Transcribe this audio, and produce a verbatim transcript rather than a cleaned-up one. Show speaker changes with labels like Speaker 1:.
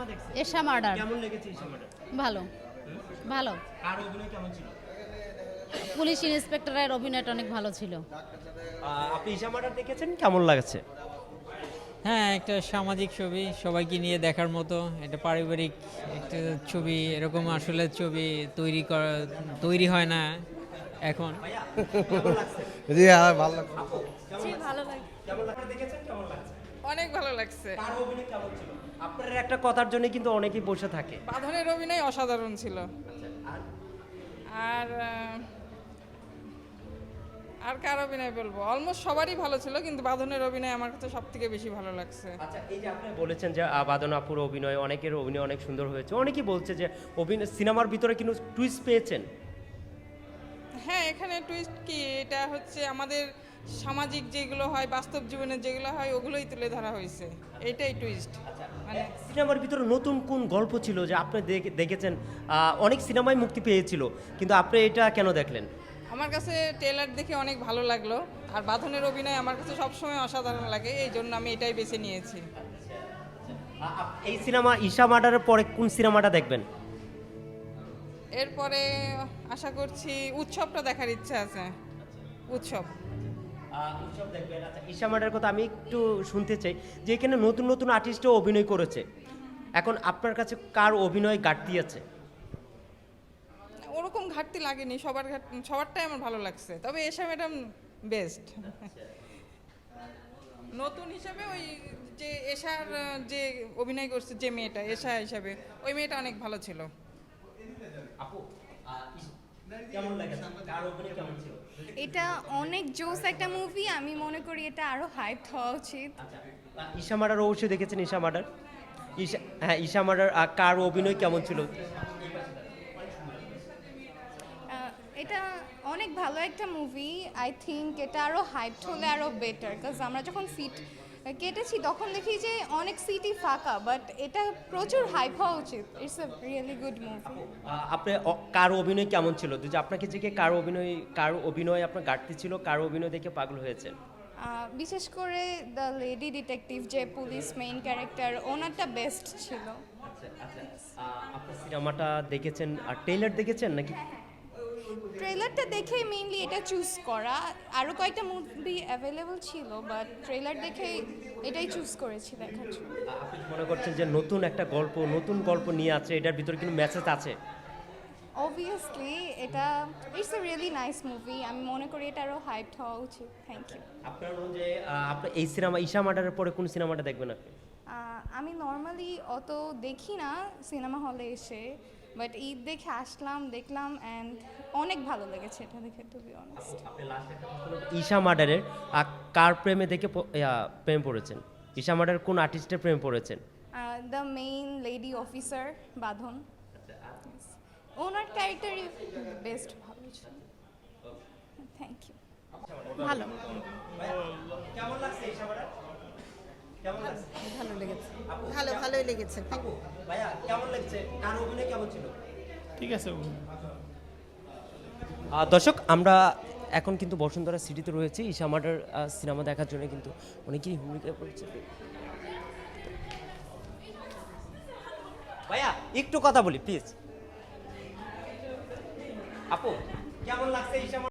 Speaker 1: Cinema দেখছেন?
Speaker 2: Esha murder.
Speaker 1: কেমন লেগেছে এশা মার্ডার?
Speaker 2: ভালো ভালো।
Speaker 1: আর অভিনয় কেমন ছিল?
Speaker 2: পুলিশ ইন্সপেক্টরের অভিনয়টা অনেক ভালো ছিল।
Speaker 1: আহ, আপনি এশা মার্ডার দেখেছেন, কেমন লাগছে?
Speaker 3: হ্যাঁ, একটা সামাজিক ছবি, সবাইকে নিয়ে দেখার মতো একটা পারিবারিক একটা ছবি। এরকম আসলে ছবি তৈরি করা তৈরি হয় না এখন।
Speaker 1: কেমন লাগছে?
Speaker 4: জি হ্যাঁ ভালো লাগছে।
Speaker 2: জি ভালো লাগে।
Speaker 1: কেমন লাগছে দেখেছেন, কেমন লাগছে?
Speaker 5: অনেক ভালো লাগছে।
Speaker 1: কার অভিনয় কেমন ছিল? আপনার একটা কথার জন্য কিন্তু অনেকেই বসে থাকে।
Speaker 5: বাঁধনের অভিনয় অসাধারণ ছিল।
Speaker 1: আর
Speaker 5: আর আহ, আর কার অভিনয় বলবো, অলমোস্ট সবারই ভালো ছিল, কিন্তু বাঁধনের অভিনয় আমার কাছে সব থেকে বেশি ভালো লাগছে।
Speaker 1: আচ্ছা, এই যে আপনি বলেছেন যে আহ, বাঁধন আপুর অভিনয়, অনেকের অভিনয় অনেক সুন্দর হয়েছে, অনেকেই বলছে যে অভিনয় সিনেমার ভিতরে কিন্তু টুইস্ট পেয়েছেন।
Speaker 5: হ্যাঁ, এখানে টুইস্ট কি, এটা হচ্ছে আমাদের সামাজিক যেগুলো হয়, বাস্তব জীবনে যেগুলো হয়, ওগুলোই তুলে ধরা হয়েছে, এইটাই টুইস্ট। মানে
Speaker 1: সিনেমার ভিতরে নতুন কোন গল্প ছিল যে আপনি দেখে- দেখেছেন? আহ, অনেক সিনেমায় মুক্তি পেয়েছিল, কিন্তু আপনি এটা কেন দেখলেন?
Speaker 5: আমার কাছে ট্রেলার দেখে অনেক ভালো লাগলো, আর বাঁধনের অভিনয় আমার কাছে সবসময় অসাধারণ লাগে, এই জন্য আমি এটাই বেছে নিয়েছি।
Speaker 1: আ- আপ- এই সিনেমা ঈশা মার্ডারের পরে কোন সিনেমাটা দেখবেন?
Speaker 5: এরপরে আশা করছি উৎসবটা দেখার ইচ্ছা আছে। উৎসব
Speaker 1: আহ, উৎসব দেখবেন। আচ্ছা, ঈশা মার্ডারের কথা আমি একটু শুনতে চাই যে এখানে নতুন নতুন আর্টিস্টও অভিনয় করেছে। এখন আপনার কাছে কার অভিনয় ঘাটতি আছে?
Speaker 5: ওরকম ঘাটতি লাগেনি, সবার ঘাট সবারটাই আমার ভালো লাগছে, তবে এশা ম্যাডাম বেস্ট। নতুন হিসাবে ওই যে এশার আহ, যে অভিনয় করছে যে মেয়েটা এশা হিসাবে, ওই মেয়েটা অনেক ভালো ছিল।
Speaker 1: আপু, আহ, ইস- কেমন লেগেছে? কার অভিনয় কেমন ছিল?
Speaker 6: এটা অনেক জোস একটা মুভি, আমি মনে করি এটা আরো হাইপ হওয়া উচিত।
Speaker 1: আচ্ছা, আহ, ঈশা মার্ডার অবশ্যই দেখেছেন। ঈশা মার্ডার, ঈশা হ্যাঁ ঈশা মার্ডার আহ, কার অভিনয় কেমন ছিল?
Speaker 6: আহ, এটা অনেক ভালো একটা মুভি, আই থিঙ্ক এটা আরো হাইপ হলে আরো বেটার, কাজ আমরা যখন সিট কেটেছি তখন দেখি যে অনেক সিটই ফাঁকা, বাট এটা প্রচুর হাইপ হওয়া উচিত। It's a really good movie.
Speaker 1: আহ, আপনি অ- কার অভিনয় কেমন ছিল? যে আপনাকে যে কার অভিনয় কার অভিনয় আপনার ঘাটতি ছিল, কার অভিনয় দেখে পাগল হয়েছেন?
Speaker 6: আহ, বিশেষ করে দ্য লেডি ডিটেকটিভ যে পুলিশ মেইন ক্যারেক্টার, ওনারটা বেস্ট ছিল।
Speaker 1: আচ্ছা আচ্ছা, আহ, আপনি সিনেমাটা দেখেছেন আর ট্রেলার দেখেছেন নাকি?
Speaker 6: ট্রেলারটা দেখে মেইনলি এটা চুজ করা, আরও কয়েকটা মুভি অ্যাভেলেবল ছিল, বাট ট্রেলার দেখে এটাই চুজ করেছি দেখার জন্য।
Speaker 1: আহ, আপনি কি মনে করছেন যে নতুন একটা গল্প নতুন গল্প নিয়ে আছে, এটার ভিতরে কিন্তু মেসেজ আছে?
Speaker 6: অবভিয়াসলি এটা it's a really nice movie, আমি মনে করি এটা আরও হাইপ হওয়া উচিত। Thank you.
Speaker 1: আপনার অনুযায়ী আহ, আপনি এই সিনেমা ঈশা মার্ডারের পরে কোন সিনেমাটা দেখবেন আপনি?
Speaker 6: আমি নর্মালি অত দেখি না সিনেমা হলে এসে, বাট ঈদ দেখে আসলাম, দেখলাম, অ্যান্ড অনেক ভালো লেগেছে এটা দেখে, টু বি অনেস্ট।
Speaker 1: আপনি লাস্ট একটা প্রশ্ন করতে- ঈশা মার্ডারের আহ, কার প্রেমে দেখে প- ইয়া, প্রেম পড়েছেন? ঈশা মার্ডারের কোন আর্টিস্টের প্রেম পড়েছেন?
Speaker 6: দ্য মেইন লেডি অফিসার বাঁধন, ওনার ক্যারেক্টারই বেস্ট ভালো ছিল। Thank you.
Speaker 2: ভালো
Speaker 1: কেমন লাগছে ঈশা মার্ডার? কেমন লাগছে?
Speaker 7: ভালো লেগেছে,
Speaker 1: আপু,
Speaker 7: ভালো ভালোই লেগেছে।
Speaker 1: আপু, ভাইয়া কেমন লাগছে? কার অভিনয় কেমন ছিল?
Speaker 4: ঠিক আছে।
Speaker 1: আহ, দর্শক, আমরা এখন কিন্তু বসুন্ধরা সিটিতে রয়েছি ঈশা মার্ডার আহ, সিনেমা দেখার জন্য, কিন্তু অনেকেই ভূমিকা পড়ছে। ভাইয়া একটু কথা বলি প্লিজ। আপু, কেমন লাগছে ঈশা